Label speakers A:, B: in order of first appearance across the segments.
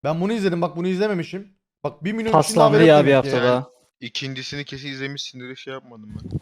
A: Ben bunu izledim, bak bunu izlememişim. Bak 1 milyon kişinin
B: Paslandı
A: haberi yok
B: ya bir
A: demek ki.
B: hafta daha.
C: İkincisini kesin izlemişsindir, şey yapmadım ben.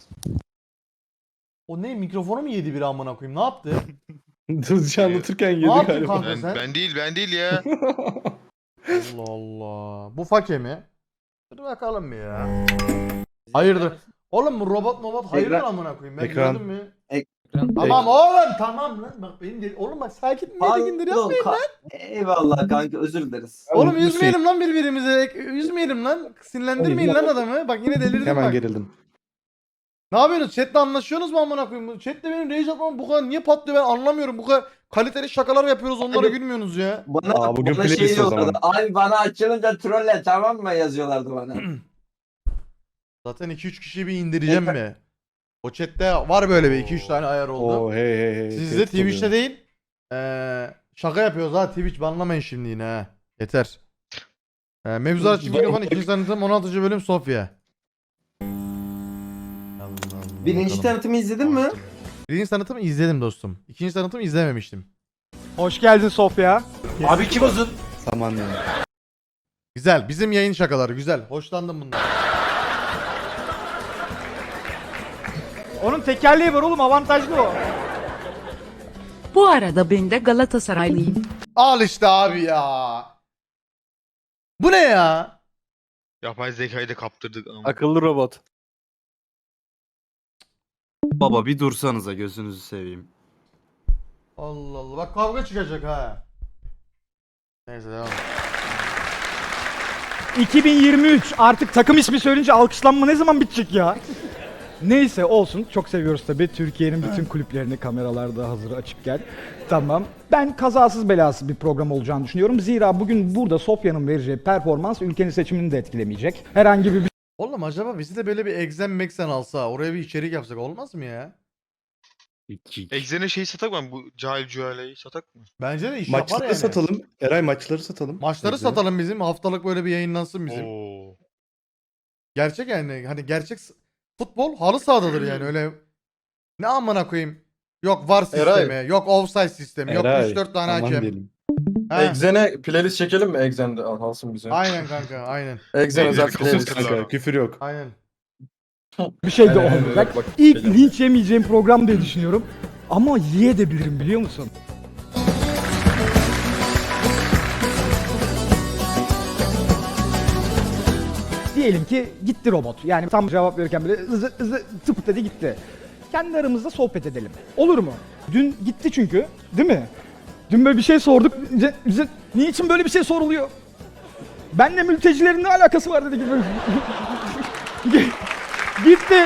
A: O ne, mikrofonu mu yedi biri amına koyayım, ne yaptı?
D: Hızlıca anlatırken yedi
A: Ne yaptın
D: galiba.
A: kanka sen?
C: Ben değil ya.
A: Allah Allah. Bu fake mi? Dur bakalım bir ya. Hayırdır? Oğlum bu robot hayırdır
D: Ekran-
A: amına koyayım, ben
D: ekran-
A: gördüm mü?
E: Ekran-
A: Tamam oğlum, tamam lan. Bak benim de... Oğlum bak sakin dindir yapmayın lan.
E: Eyvallah kanka, özür dileriz.
A: Oğlum üzmeyelim lan birbirimizi. Üzmeyelim lan. Sinirlendirmeyin lan adamı. Bak yine delirdim
D: Hemen
A: bak.
D: gerildim.
A: Ne yapıyorsunuz? Chat'le anlaşıyorsunuz mu amına koyayım? Chat'le benim rage atmam bu kadar niye patlıyor ben anlamıyorum. Bu kadar kaliteli şakalar yapıyoruz, onlara
E: Abi-
A: gülmüyorsunuz ya.
D: Aa, bugün
E: bana şey
D: playlist o
E: diyorlardı.
D: zaman.
E: Abi bana açılınca trolle, tamam mı, yazıyorlardı bana.
A: Zaten 2-3 kişiyi bir indireceğim mi? O chat'te var böyle bir 2-3 tane ayar oldu.
D: Oo hey.
A: Sizde
D: tehdit
A: Twitch'te
D: oluyor.
A: değil. Şaka yapıyoruz ha, Twitch banlamayın şimdi yine ha. Yeter. Mevzular açık mikrofon 2. tanıtım 16. bölüm Sofya.
E: Birinci tanıtımı izledin mi?
A: Birinci tanıtımı izledim dostum. İkinci tanıtımı izlememiştim.
F: Hoş geldin Sofya.
E: Abi kim uzun?
D: Saman yani.
A: Güzel. Bizim yayın şakaları güzel. Hoşlandım bundan.
F: Onun tekerleği var oğlum, avantajlı o.
G: Bu arada ben de Galatasaraylıyım.
A: Al işte abi ya. Bu ne ya?
C: Yapay zekayı da kaptırdık ama.
B: Akıllı robot.
H: Baba bir dursanıza, gözünüzü seveyim.
A: Allah Allah. Bak kavga çıkacak ha. Neyse devam.
F: 2023 artık takım ismi söyleyince alkışlanma ne zaman bitecek ya? Neyse olsun, çok seviyoruz tabii. Türkiye'nin bütün kulüplerini, kameralarda hazır açık gel. Tamam. Ben kazasız belasız bir program olacağını düşünüyorum. Zira bugün burada Sofya'nın vereceği performans ülkenin seçimini de etkilemeyecek. Herhangi bir
A: Oğlum acaba bizi de böyle bir Exen Mexen alsa, oraya bir içerik yapsak olmaz mı ya?
C: Exen'e şey satak mı? Bu Cahil Cühale'yi satak mı?
A: Bence de iş yapar
D: Maçları
A: yani.
D: satalım. Eray maçları satalım.
A: Maçları
D: Bize.
A: satalım bizim. Haftalık böyle bir yayınlansın bizim.
C: Oo.
A: Gerçek yani. Hani gerçek futbol halı sahadadır yani öyle. Ne amına koyayım. Yok VAR sistemi, yok offside sistemi, yok
D: Eray,
A: 3-4 tane
D: aman
A: hakem.
D: diyelim.
A: Ha,
I: Exen'e playlist çekelim mi? Exen'de alsın bize.
A: aynen kanka, aynen.
I: Exen özel
C: Exen'i
I: playlist.
C: kapatırlar.
D: Kanka küfür yok.
A: Aynen.
F: bir şey de
I: Evet,
F: olmayacak.
I: bak,
F: İlk
I: geliyorum.
F: linç yemeyeceğim program diye düşünüyorum. Ama yiyebilirim biliyor musun? Diyelim ki gitti robot. Yani tam cevap verirken bile ızı tıp dedi gitti. Kendi aramızda sohbet edelim. Olur mu? Dün gitti çünkü. Değil mi? Dün böyle bir şey sorduk. Niçin böyle bir şey soruluyor? Benle mültecilerin ne alakası var dedi gibi. Gitti.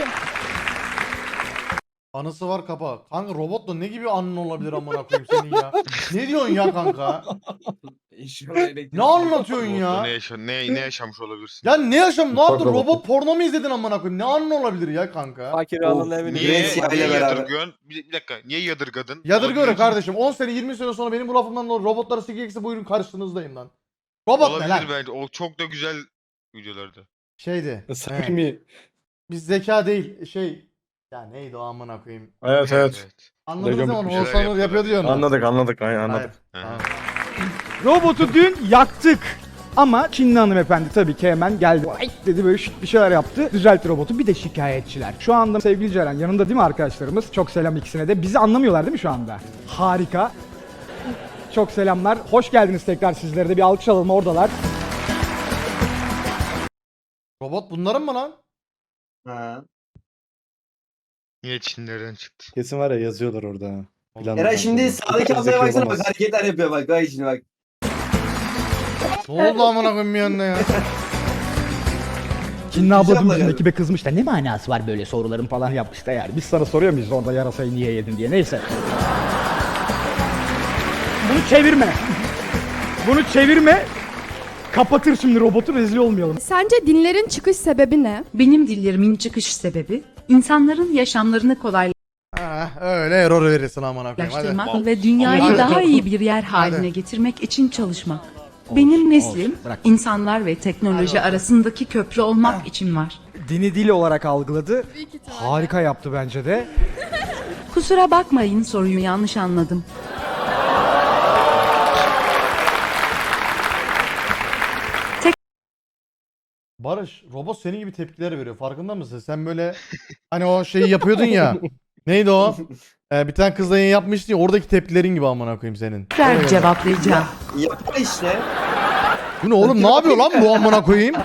A: Anısı var kapa. Kanka robotla ne gibi anın olabilir amına koyayım senin ya? Ne diyorsun ya kanka? Ne anlatıyorsun
C: Robotla
A: ya?
C: ne yaşamış olabilirsin?
A: Ya ne yaşam? Ne yaptın?
I: Robot.
A: Robot porno mu izledin amına koyayım? Ne anın olabilir ya kanka?
B: Fakir alın evini.
C: Niye
E: Grecia ile beraber.
C: yadırgıyorsun? Bir dakika, niye yadırgadın?
A: Yadırgıyorum
C: Olabilir.
A: kardeşim. 10 sene 20 sene sonra benim bu lafımdan dolayı robotlara sikeyekse buyurun karşınızdayım lan. Robot ne lan?
C: Olabilir bence. O çok da güzel videolardı.
A: Şeydi. he,
D: Samimi.
A: biz zeka değil şey. Ya neydi o amına koyayım?
I: Evet.
A: Anladınız
D: Recep
A: mı onu?
C: bir şeyler
A: Oğuzhan Uğur
C: yapıyorlar.
A: yapıyor diyor onu.
I: Anladık. Aynen
A: Hayır.
I: anladık.
A: Tamam.
F: Robotu dün yaktık. Ama Çinli hanımefendi tabii ki hemen geldi. Ay dedi böyle bir şeyler yaptı. Düzeltti robotu. Bir de şikayetçiler. Şu anda sevgili Ceren yanında değil mi arkadaşlarımız? Çok selam ikisine de. Bizi anlamıyorlar değil mi şu anda? Harika. Çok selamlar. Hoş geldiniz tekrar sizlere de. Bir alkış alalım oradalar.
A: Robot bunların mı lan?
E: Ha.
C: Niye Çinlerden çıktı?
D: Kesin var ya yazıyorlar orada. ha. Planlı
E: Eray
D: kanka.
E: şimdi
D: Çok
E: sağdaki
D: zeki
E: ablaya baksana,
D: olamaz.
E: bak hareketler yapıyor, bak bak şimdi bak.
A: Ne oldu amına koyayım bir yanına ya?
F: Çinli abla
E: Güzel
F: dün bizim
E: geldi.
F: ekibe kızmış da ne manası var böyle soruların falan yapmış da yani. Biz sana soruyor muyuz orada yarasayı niye yedin diye. Neyse. Bunu çevirme. Bunu çevirme. Kapatır şimdi robotu, rezil olmayalım.
J: Sence dinlerin çıkış sebebi ne?
G: Benim dillerimin çıkış sebebi insanların yaşamlarını
A: Ha, öyle error verirsin amına koyayım. Hadi.
G: kolaylaştırmak ve dünyayı
A: Hadi.
G: daha iyi bir yer haline
A: Hadi.
G: getirmek için çalışmak. Benim neslim
F: Bırak.
G: insanlar ve teknoloji arasındaki köprü olmak için var.
F: Dini dil olarak algıladı. Harika yaptı bence de.
G: Kusura bakmayın, soruyu yanlış anladım.
A: Barış, robot senin gibi tepkiler veriyor. Farkında mısın? Sen böyle hani o şeyi yapıyordun ya. Neydi o? Bir tane kızla yayın yapmıştın ya, oradaki tepkilerin gibi amına koyayım senin.
G: Ver cevaplayacağım.
E: Yapar işte.
A: Bu ne oğlum, ne yapıyor lan bu amına koyayım?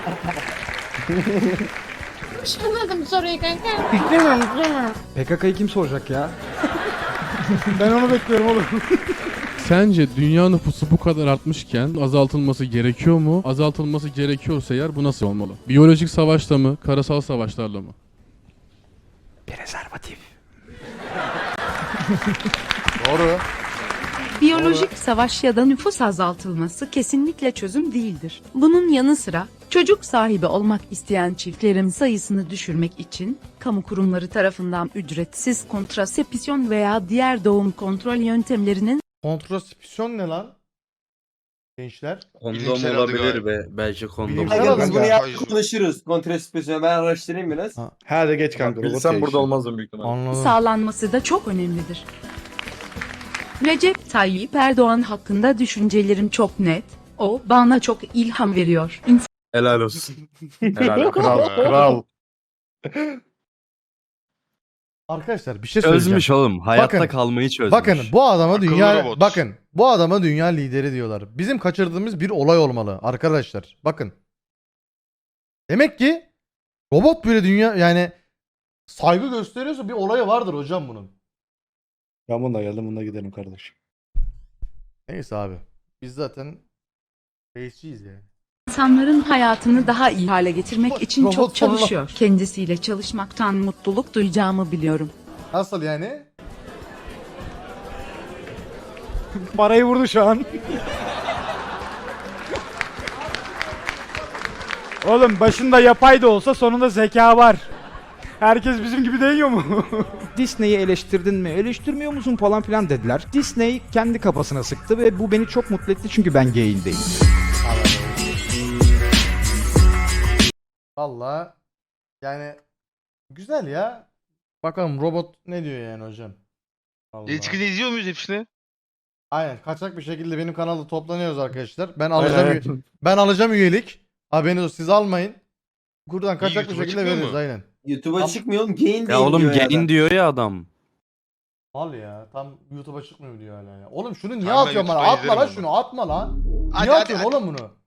J: Anladım soruyu kanka.
F: PKK'yı kim soracak ya? Ben onu bekliyorum oğlum.
B: Sence dünya nüfusu bu kadar artmışken azaltılması gerekiyor mu? Azaltılması gerekiyorsa eğer bu nasıl olmalı? Biyolojik savaşla mı, karasal savaşlarla mı?
F: Prezervatif.
A: Doğru.
G: Biyolojik savaş ya da nüfus azaltılması kesinlikle çözüm değildir. Bunun yanı sıra çocuk sahibi olmak isteyen çiftlerin sayısını düşürmek için kamu kurumları tarafından ücretsiz kontrasepsiyon veya diğer doğum kontrol yöntemlerinin
A: Kontrasepsiyon ne lan? Gençler.
H: Kondom
C: Bilimsel adı
H: olabilir
C: galiba.
H: ve belki kondom.
A: Bilimsel
E: Kanka
A: adı
E: biz bunu
A: ya.
E: yaptık konuşuruz. Kontrasepsiyon ben araştırayım biraz.
A: Ha.
D: Hadi geç kanka. robot
I: Bilsem burada
D: değişti.
I: olmazdım büyük ihtimalle.
A: Anladım.
G: sağlanması da çok önemlidir. Recep Tayyip Erdoğan hakkında düşüncelerim çok net. O bana çok ilham veriyor.
H: Helal olsun.
D: Helal kral kral.
A: Arkadaşlar bir şey söyleyeceğim.
H: Çözmüş oğlum. Hayatta
A: Bakın,
H: kalmayı çözmüş.
A: Bakın bu adama
C: Akıllı
A: dünya
C: robot.
A: bakın bu adama dünya lideri diyorlar. Bizim kaçırdığımız bir olay olmalı arkadaşlar. Bakın. Demek ki robot böyle dünya yani saygı gösteriyorsa bir olayı vardır hocam bunun.
D: Ben bununla geldim, bununla gidelim kardeşim.
A: Neyse abi. Biz zaten reisçiyiz yani.
G: İnsanların hayatını daha iyi hale getirmek için
A: Robot
G: çok
A: sonuna-
G: çalışıyor. Kendisiyle çalışmaktan mutluluk duyacağımı biliyorum.
A: Nasıl yani?
F: Parayı vurdu şu an. Oğlum başında yapay da olsa sonunda zeka var. Herkes bizim gibi değiyor mu? Disney'i eleştirdin mi, eleştirmiyor musun falan filan dediler. Disney kendi kafasına sıktı ve bu beni çok mutlu etti çünkü ben gay'in değilim.
A: Vallahi yani güzel ya. Bakalım robot ne diyor yani hocam. Vallahi.
C: Eskiden izliyor muyuz hepsini?
A: Aynen, kaçak bir şekilde benim kanalda toplanıyoruz arkadaşlar. Ben alacağım
D: Aynen.
A: ben alacağım üyelik. Haberiniz olsun, siz almayın. Buradan kaçak bir
C: YouTube'a
A: şekilde
C: çıkmıyor
A: veririz
C: mu?
A: aynen.
E: YouTube'a çıkmıyor oğlum. Gain
H: Ya
E: değil
H: oğlum
E: diyor
H: gelin
E: adam.
H: diyor ya adam.
A: Al ya, tam YouTube'a çıkmıyor diyor hala ya. Oğlum şunu niye
C: Tamam, ben
A: atıyorsun bana?
C: YouTube'da
A: Atma lan
C: izlerim
A: şunu, atma lan.
C: Hadi,
A: Niye
C: hadi,
A: atıyorsun
C: hadi.
A: oğlum bunu?